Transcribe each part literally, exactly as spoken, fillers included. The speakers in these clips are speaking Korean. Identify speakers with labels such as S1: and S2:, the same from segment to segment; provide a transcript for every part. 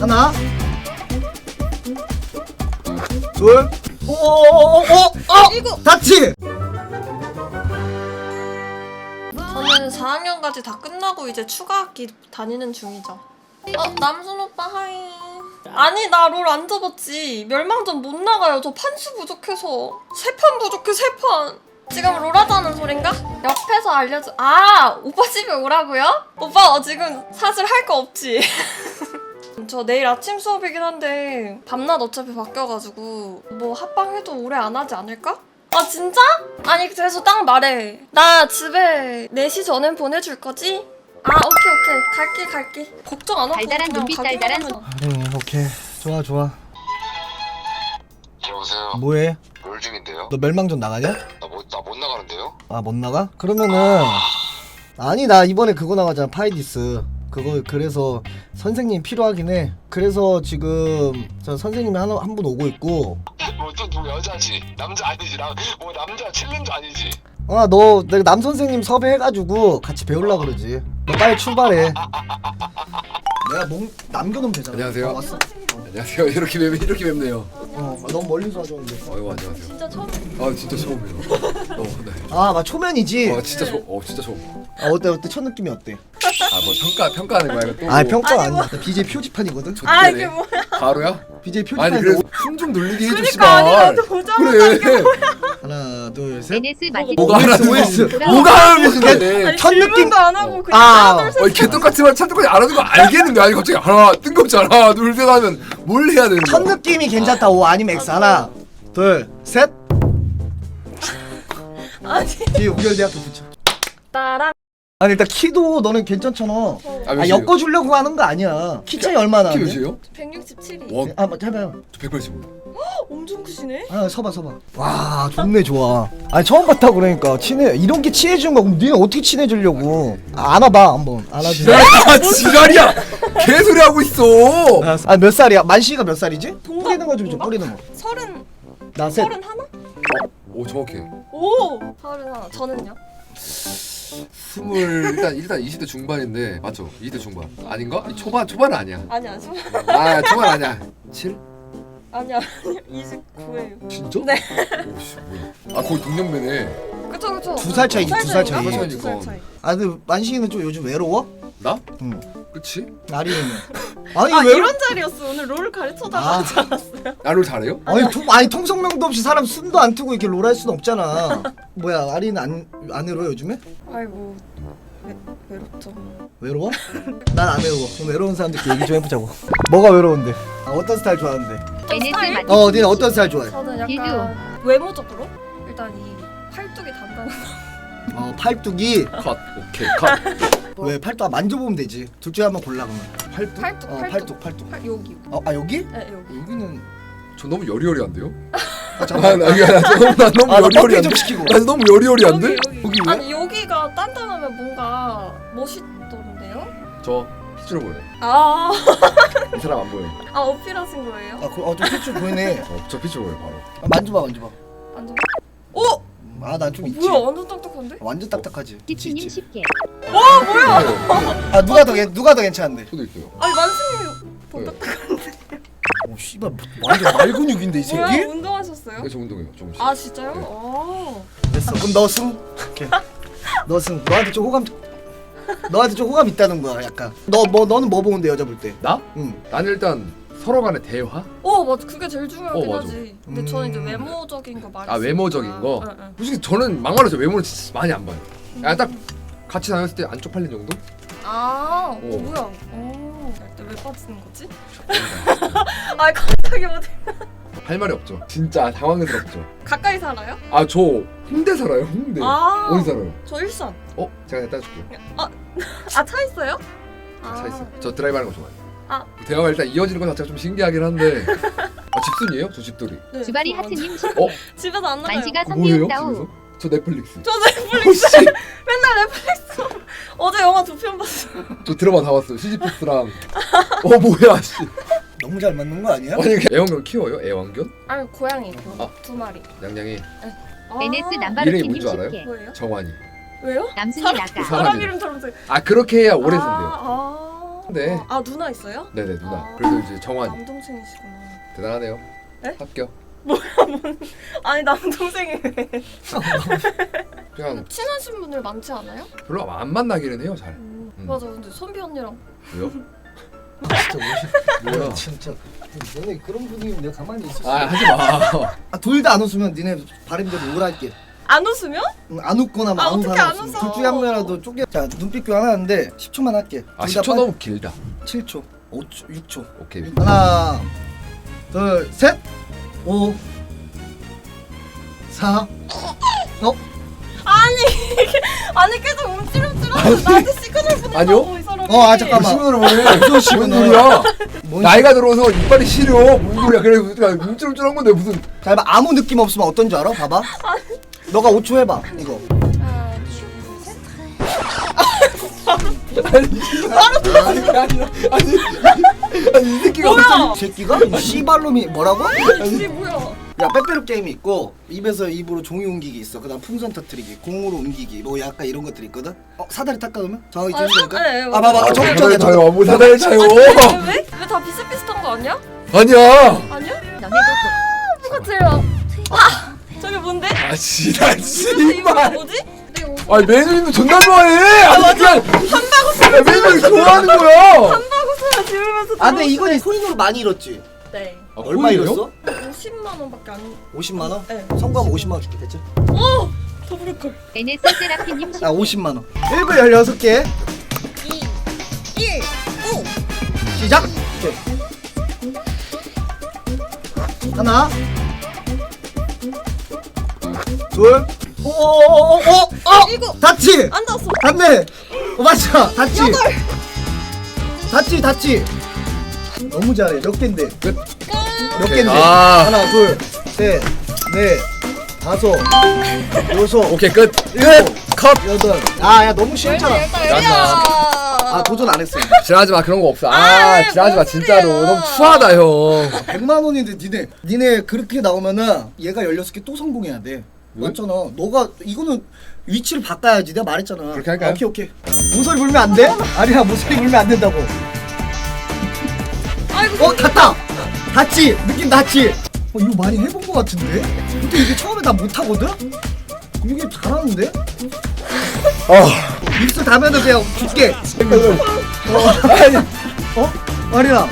S1: 하나 둘 오오오오 다치.
S2: 저는 사 학년까지 다 끝나고 이제 추가 학기 다니는 중이죠. 어, 남순 오빠 하이. 아니 나 롤 안 접었지. 멸망전 못 나가요. 저 판수 부족해서. 세 판 부족해 세 판. 지금 롤 하자는 소린가? 옆에서 알려줘. 아 오빠 집에 오라고요? 오빠 어, 지금 사실 할 거 없지? 저 내일 아침 수업이긴 한데 밤낮 어차피 바뀌어가지고 뭐 합방해도 오래 안 하지 않을까? 아 진짜? 아니 그래서 딱 말해. 나 집에 네 시 전엔 보내줄 거지? 아 오케이 오케이 갈게 갈게. 걱정 안 하고
S3: 달달한
S2: 그냥
S3: 눈빛,
S2: 가기만
S3: 달달한
S2: 하면.
S1: 응 오케이 좋아 좋아.
S4: 여보세요.
S1: 뭐해?
S4: 롤 중인데요.
S1: 너 멸망전 나가냐?
S4: 나 못 나 못 나가는데요.
S1: 아 못 나가? 그러면은 아니 나 이번에 그거 나가잖아 파이디스. 그거 그래서 선생님 필요하긴 해. 그래서 지금 저 선생님이 한 한 분 오고 있고.
S4: 뭐또 누구 여자지? 남자 아니지? 나 뭐 남자 챌린저 아니지?
S1: 아 너 내가 남 선생님 섭외해가지고 같이 배울라 그러지. 너 빨리 출발해. 내가 몸 남겨놓으면 되잖아.
S5: 안녕하세요.
S1: 어, 왔어.
S5: 안녕하세요. 이렇게 뵙 이렇게 뵙네요.
S1: 어 너무 멀리서 와줬는데.
S5: 어이구 안녕하세요.
S2: 진짜 처음.
S5: 아 진짜 처음이에요. 어 네.
S1: 아 막 초면이지.
S5: 어 진짜 처음. 어 진짜 처음.
S1: 아 어때 어때 첫 느낌이 어때?
S5: 아 뭐 평가 평가하는 거야 이거 또.
S1: 아 평가
S2: 아니,
S1: 아니야.
S2: 뭐.
S1: 나 비제이 표지판이거든.
S2: 아 이게 뭐야?
S5: 바로야?
S1: 비제이
S5: 아니
S1: 표지판.
S5: 그래 숨 좀 돌리게 해줘
S2: 그러니까
S5: 씨발.
S2: 아니 나도 보자마자
S5: 그래.
S2: 이게 뭐야?
S1: 하나 둘 셋.
S3: 에네스 마티
S5: 뭐가 하라는
S1: 오에스.
S5: 거지? 뭐가 하라는 것인데?
S2: 아니
S1: 첫 느낌-
S2: 질문도 안 하고 그냥
S1: 아.
S2: 하나 둘 셋.
S5: 어이 개떡같지만 찰떡같이 안 하는 거 알겠는데 아니 갑자기 하나 뜬금없이 하나 둘 셋 하면 뭘 해야 되는
S1: 첫
S5: 거야?
S1: 느낌이 괜찮다. 오 아니면 X. 하나 둘 셋.
S2: 아니
S1: 뒤에 우결대학교 붙여.
S2: 나랑
S1: 아니 일단 키도 너는 괜찮잖아. 아
S5: 몇이에요?
S1: 엮어주려고 하는 거 아니야. 키 차이 얼마나?
S5: 키
S1: 하는데?
S5: 몇이에요?
S2: 백육십칠이.
S5: 와,
S1: 아, 뭐 해봐요.
S5: 저 백팔십오.
S2: 엄청 크시네.
S1: 아, 서봐, 서봐. 와, 좋네, 좋아. 아니 처음 봤다 그러니까 친해. 이런 게 친해지는 거. 그럼 니네 어떻게 친해지려고? 아, 안아봐, 한번. 안아줘.
S5: 지랄이야 지랄이야. 개소리 하고 있어.
S1: 아, 몇 살이야? 만시가 몇 살이지? 뿌리는 거 좀 줘. 뿌리는 거.
S2: 서른
S1: 나 셋.
S2: 서른 하나?
S5: 오 정확해.
S2: 오 서른 하나. 저는요?
S5: 스물 일단 일단 이십 대 중반인데 맞죠? 이십 대 중반 아닌가? 이 초반 초반은 아니야.
S2: 아니야 저
S5: 아 초반 아니야. 칠?
S2: 아니야 아니야 이십구예요.
S5: 진짜?
S2: 네.
S5: 오씨 뭐야? 아 거의 동년배네.
S2: 그쵸 그쵸.
S1: 두 살 차이지, 두살 차이.
S2: 두살 차이.
S1: 아, 근데 만시는 좀 요즘 외로워?
S5: 나?
S1: 응.
S5: 그치?
S1: 아리는. 아니,
S2: 아
S1: 외로...
S2: 이런 자리였어. 오늘 롤 가르쳐다가
S1: 아.
S2: 하지 않았어요?
S5: 나를 잘해요?
S1: 아니, 통, 아니 통성명도 없이 사람 숨도 안 트고 이렇게 롤할 수는 없잖아. 뭐야, 아리는 안, 안 외로워 요즘에?
S2: 아이고 외, 외롭죠.
S1: 외로워? 난 안 외로워. 그럼 외로운 사람들끼리 얘기 좀 해보자고. 뭐가 외로운데? 아, 어떤 스타일 좋아하는데?
S3: 에네스
S2: 스타일?
S3: 마티
S1: 어, 니는 어떤 스타일 좋아해?
S2: 저는
S3: 길드.
S2: 약간 외모적으로 일단 이 팔뚝이 단단한
S1: 어, 팔뚝이.
S5: 컷. 오케이 컷.
S1: 왜 팔뚝? 아, 만져보면 되지. 둘 중에 한번 골라 그러면. 팔뚝?
S2: 팔뚝,
S1: 어,
S2: 팔뚝.
S1: 팔뚝, 팔뚝.
S2: 팔 여기.
S1: 어, 아 여기?
S2: 네 여기.
S1: 여기는.
S5: 저 너무 여리여리한데요?
S1: 아,
S5: 아,
S1: 잠깐.
S5: 나, 나, 나, 나, 나 너무
S1: 아, 나 펌핑
S5: 여리여리한데?
S1: 좀 시키고.
S5: 나 너무 여리여리한데?
S2: 여기 여기.
S1: 여기 왜?
S2: 아니 여기가 단단하면 뭔가 멋있던데요?
S5: 저 피치로 보여.
S2: 아,
S5: 이 사람 안 보여.
S2: 아 어필하신 거예요?
S1: 아, 그, 어, 좀 피치 보이네.
S5: 어, 저 피치로 보여 바로.
S1: 아, 만져봐, 만져봐.
S2: 완전. 오,
S1: 아, 난 좀 있지.
S2: 뭐야 완전 딱딱한데?
S1: 완전 딱딱하지. 있지,
S3: 티치님
S1: 있지.
S3: 쉽게
S1: 아, 누가 더 괜- 누가 더 괜찮은데?
S5: 저도 있어요.
S2: 아니 만승이 더
S5: 네.
S2: 딱딱한데.
S1: 오, 씨발, 완전 말근육인데 이
S2: 뭐야
S1: 새끼?
S2: 운동하셨어요?
S5: 네, 저 운동해요 조금씩.
S2: 아 진짜요?
S5: 네.
S2: 아.
S1: 됐어. 그럼 너 승. 오케이. 너 승. 너한테 좀 호감. 너한테 좀 호감 있다는 거야, 약간. 너 뭐 너는 뭐 보는데 여자 볼 때?
S5: 나?
S1: 응.
S5: 나는 일단 서로 간의 대화?
S2: 어 맞아 그게 제일 중요하긴
S5: 어, 맞아.
S2: 하지. 근데
S1: 음.
S2: 저는 이제 외모적인 거 말했어.
S5: 아 외모적인 거? 솔직히 저는 막말로 저 외모는 진짜 많이 안 봐요. 그냥 딱 같이 다녔을 때 안 쪽팔린 정도?
S2: 아, 어,
S5: 오.
S2: 뭐야? 어, 왜 빠지는 거지? 아 갑자기 어디?
S5: 할 말이 없죠. 진짜 당황스럽죠.
S2: 가까이 살아요?
S5: 아 저 홍대 살아요 홍대.
S2: 아.
S5: 어디 살아요?
S2: 저 일산.
S5: 어? 제가 내가 따줄게요.
S2: 아 차 있어요? 아,
S5: 차 있어요. 저 드라이브 하는 거 좋아해요.
S2: 아.
S5: 대화가 일단 이어지는 것 자체가 좀 신기하긴 한데 아 집순이에요? 저 집돌이.
S2: 네,
S3: 주바리
S2: 저
S3: 하트님
S5: 어?
S3: 쉽게
S2: 집에서 안 나가요.
S3: 만시가
S5: 뭐예요?
S3: 선비웃다우
S5: 집에서? 저 넷플릭스.
S2: 저 넷플릭스
S5: 어, 씨.
S2: 맨날 넷플릭스. 어제 영화 두 편 봤어.
S5: 저 드라마 다 봤어요. 시지프스랑 어 뭐야 씨.
S1: 너무 잘 맞는 거 아니야?
S5: 아니 애완견 키워요? 애완견?
S2: 아니 고양이
S5: 아.
S2: 두 마리.
S5: 냥냥이
S2: 아,
S3: 에네스
S5: 이름이
S3: 남바루키님
S5: 뭔줄 알아요?
S3: 쉽게
S2: 뭐예요?
S5: 정환이.
S2: 왜요?
S3: 남순이
S2: 사람-
S3: 나가
S5: 사람
S2: 사람
S5: 이름.
S2: 이름처럼 생.
S5: 아 그렇게 해야 오래
S2: 아,
S5: 산대요.
S2: 아.
S5: 네.
S2: 아 누나 있어요?
S5: 네네 누나.
S2: 아.
S5: 그래도 이제 정환
S2: 남동생이시구나.
S5: 대단하네요.
S2: 네?
S5: 합격.
S2: 아니 남동생이
S5: 그냥
S2: 친하신 분들 많지 않아요?
S5: 별로 안 만나기는 해요 잘.
S2: 음,
S5: 음.
S2: 맞아. 근데 선비 언니랑
S5: 왜요?
S1: 진짜 멋있.
S5: 뭐야?
S1: 진짜. 너네 그런 분위기면 내가 가만히 있을 수.
S5: 아 하지 마.
S1: 아, 둘 다 안 웃으면 니네 바람대로 우울할게.
S2: 안 웃으면?
S1: 응, 안 웃거나 막
S2: 아,
S1: 아무
S2: 어떻게
S1: 사람
S2: 안
S1: 없으면
S2: 웃어?
S1: 둘 중에 한 명이라도 쪼개. 자 눈빛 교환하는데 십 초만 할게.
S5: 아
S1: 둘다
S5: 십 초
S1: 빨리-
S5: 너무 길다.
S1: 칠 초, 오 초, 육 초.
S5: 오케이.
S1: 하나, 둘, 셋, 오, 사, 어?
S2: 아니 계속 움찔움찔하면서 나한테 시그널 보낸다고
S5: 아니요?
S2: 이 사람이.
S1: 어, 아, 잠깐만.
S5: 무슨 소리야?
S1: 무슨
S5: 무슨 소리야?
S1: 뭔
S5: 나이가 들어서 이빨이 시려. 무슨 소리야? 그래 움찔움찔한 건데 무슨?
S1: 자, 해봐. 아무 느낌 없으면 어떤 줄 알아? 봐봐. 너가 오 초 해봐. 이거.
S2: 하나, 둘, 셋.
S5: 아니 아니 아니 아니 이 새끼가
S2: 뭐야?
S1: 이 새끼가? 이 씨발놈이 뭐라고?
S2: 이게 뭐야?
S1: 야, 빼빼로 게임이 있고 입에서 입으로 종이 옮기기 있어. 그다음 풍선 터트리기, 공으로 옮기기, 뭐 약간 이런 것들이 있거든. 어, 사다리 닦아 그러면? 정확히
S2: 아,
S1: 들으니까.
S2: 사- 네,
S1: 아, 봐봐.
S5: 아,
S1: 정확하게
S5: 사다리
S1: 정.
S5: 차요. 뭐 사다리 차요.
S2: 왜? 왜 다 비슷비슷한 거 아니야?
S5: 아니야.
S2: 아니야? 누가 제일 아, 아 저게 뭔데?
S5: 아 지랄
S2: 이거 이거
S5: 씨발.
S2: 뭐지? 내 옷.
S5: 아니 매니저님도 존나 좋아해. 아니 그냥 한바구스 매니저님 좋아하는 거야.
S2: 한바구스를 지으면서.
S1: 아, 근데 이건 코인으로 많이 잃었지.
S2: 네.
S5: 아,
S1: 얼마
S5: 코인이요?
S1: 잃었어?
S2: 오십만 원밖에 안.
S1: 오십만 원?
S2: 네.
S1: 성공하면 오십만 원 줄게. 됐지?
S2: 오! 더 부를 걸.
S3: 에네스 세라피님
S1: 아, 오십만 원. 일 분 열여섯 개.
S2: 이, 일, 오.
S1: 시작. 오케이. 하나. 둘. 오오오오오. 어!
S2: 일곱.
S1: 닿지?
S2: 안 닿았어.
S1: 닿네. 어, 맞아. 닿지?
S2: 여덟.
S1: 닿지, 닿지. 너무 잘해. 몇 갠데?
S5: 끝.
S1: 몇
S5: 오케이.
S1: 갠데?
S5: 아.
S1: 하나, 둘, 셋, 넷, 다섯, 여섯,
S5: 오케이 끝.
S1: 일곱,
S5: 컷.
S1: 여덟. 아, 야 너무 쉽잖아.
S5: 짠나.
S1: 아, 도전 안 했어.
S5: 지랄하지 마 그런 거 없어.
S2: 아,
S5: 아 지랄하지 마
S2: 뭔
S5: 진짜로
S2: 소리야.
S5: 너무 추하다 형.
S1: 백만 원인데 니네 니네 그렇게 나오면은 얘가 열여섯 개 또 성공해야 돼.
S5: 왜?
S1: 맞잖아. 너가 이거는 위치를 바꿔야지. 내가 말했잖아.
S5: 그렇게 할까요?
S1: 아, 오케이 오케이. 모서리 불면 안 돼? 아니야, 모서리 불면 안 된다고.
S2: 아이고.
S1: 어, 닿다. 닿지. 느낌 닿지. 어, 이거 많이 해본 거 같은데? 근데 이게 처음에 나 못하거든? 이게 잘하는데?
S5: 아
S1: 입술 닿으면 그냥 줄게. 어,
S5: 아니
S1: 어? 말이야.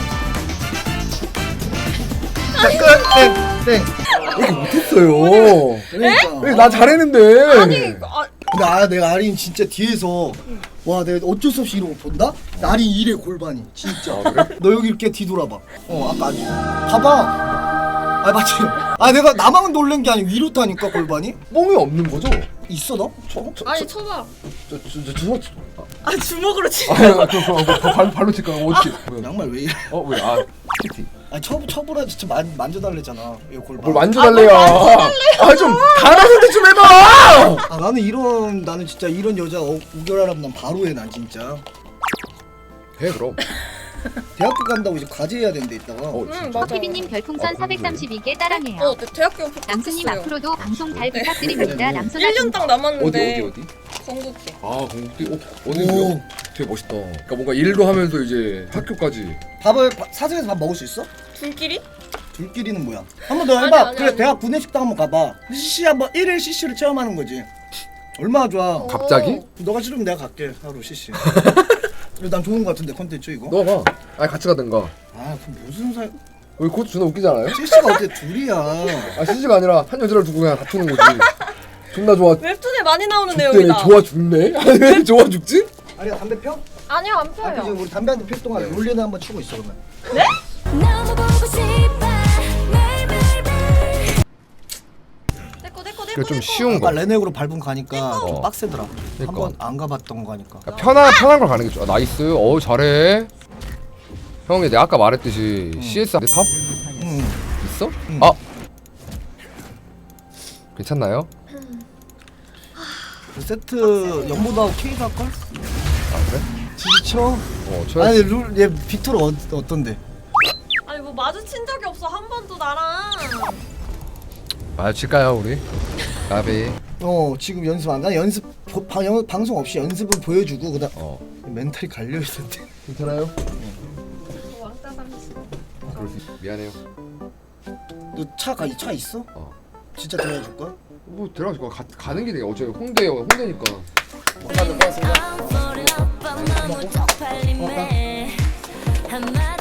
S1: 자, 끝. 땡. 땡.
S5: 이렇게 못했어요.
S1: 그러니까.
S5: 왜 나 잘했는데.
S2: 아니, 아,
S1: 근데 아, 내가 아린 진짜 뒤에서 와, 내가 어쩔 수 없이 이러고 본다? 아린 이래 골반이 진짜.
S5: 아, 그래?
S1: 너 여기 이렇게 뒤돌아봐. 어, 아까 아니. 봐봐. 아, 맞지. 아, 내가 나만 놀란 게 아니고 위로 타니까 골반이
S5: 뽕이 없는 거죠?
S1: 있어 너?
S5: 저, 저,
S2: 아니 쳐봐.
S5: 저, 저, 저, 저, 저,
S2: 아 주먹으로 치.
S5: 아, 저, 저, 저, 저, 발로, 발로 칠까? 어떻게? 왜?
S1: 양말 왜 이래?
S5: 어, 왜? 아, 티티.
S1: 아, 쳐 쳐보라 진짜 만 만져달래잖아. 이 골반.
S5: 뭘 만져달래요? 아, 좀 단어 선택 좀 해봐.
S1: 아, 나는 이런 나는 진짜 이런 여자 어, 우결하라면 난 바로 해. 난 진짜.
S5: 해 그럼.
S1: 대학교 간다고 이제 과제해야 된대 이따가.
S5: 어,
S2: 응
S5: 진짜.
S2: 맞아.
S3: 커피비님 별풍선
S5: 아,
S3: 사백삼십이 개 따랑해요.
S2: 어, 네, 대학교
S3: 남순님
S2: 합격했어요.
S3: 앞으로도 방송 잘
S1: 네.
S3: 부탁드립니다. 남순아
S2: 일 년 딱
S5: 어디
S2: 남았는데.
S5: 어디 어디?
S2: 건국대.
S5: 아, 공국대. 어, 어디요? 되게 멋있다. 그러니까 뭔가 일도 하면서 이제 학교까지.
S1: 밥을 바- 사정에서 밥 먹을 수 있어?
S2: 둘끼리?
S1: 둘끼리는 뭐야? 한 번 더
S2: 아니,
S1: 해봐.
S2: 아니,
S1: 그래
S2: 아니.
S1: 대학 구내식당 한번 가봐. 씨씨 한번 일일 씨씨를 체험하는 거지. 얼마나 좋아.
S5: 갑자기?
S1: 너가 싫으면 내가 갈게 하루 씨씨. 난 좋은 거 같은데 컨텐츠 이거.
S5: 너 가. 아니 같이 가든가.
S1: 아 그럼 무슨 사?
S5: 우리 그것도 존나 웃기잖아요?
S1: 씨씨가 어때 둘이야.
S5: 아 씨씨가 아니라 한 여자를 두고 그냥 다투는 거지. 존나 좋아.
S2: 웹툰에 많이 나오는
S5: 죽대.
S2: 내용이다.
S5: 좋아 죽네? 아니 왜 좋아 죽지?
S1: 아니야 담배 펴?
S2: 아니요 안
S1: 아
S2: 펴요.
S1: 그지 우리 담배 한 대 필 동안 롤리는 한번 치고 있어 그러면.
S3: 너무 보고 싶어
S2: 내꺼 내꺼 내꺼.
S5: 그게 좀
S2: 내꺼.
S5: 쉬운
S1: 아까
S5: 거.
S1: 레넥으로 밟은 가니까 좀
S5: 어.
S1: 빡세더라.
S5: 그러니까.
S1: 한번 안 가봤던 거니까.
S5: 그러니까 편한 편한 걸 가는 게 좋아. 나이스. 어우 잘해. 형이 내가 아까 말했듯이 씨에스 내 탑
S1: 응.
S5: 있어?
S1: 응.
S5: 아 괜찮나요?
S1: 그 세트 연보다고 K가 할걸?
S5: 아 그래?
S1: 지쳐?
S5: 어 쳐야.
S1: 아니 룰얘 빅토르 어, 어떤데?
S2: 아니 뭐 마주친 적이 없어 한 번도 나랑.
S5: 마주칠까요 우리? 나비.
S1: 어 지금 연습 안 나 연습 보, 방, 영, 방송 없이 연습을 보여주고 그다음
S5: 어.
S1: 멘탈이 갈려 있었대.
S5: 괜찮아요?
S2: 왕따 삼십.
S5: 그럴 수 있... 미안해요.
S1: 너차가 차 있어?
S5: 어.
S1: 진짜 데려다 줄 거야?
S5: 뭐 데려가실 거야. 가, 가는 길에 어차피 홍대 홍대니까.
S1: 다들 고맙습니다.
S3: I'm falling up, I'm not
S1: 고맙다.
S3: 팔리네. 한마디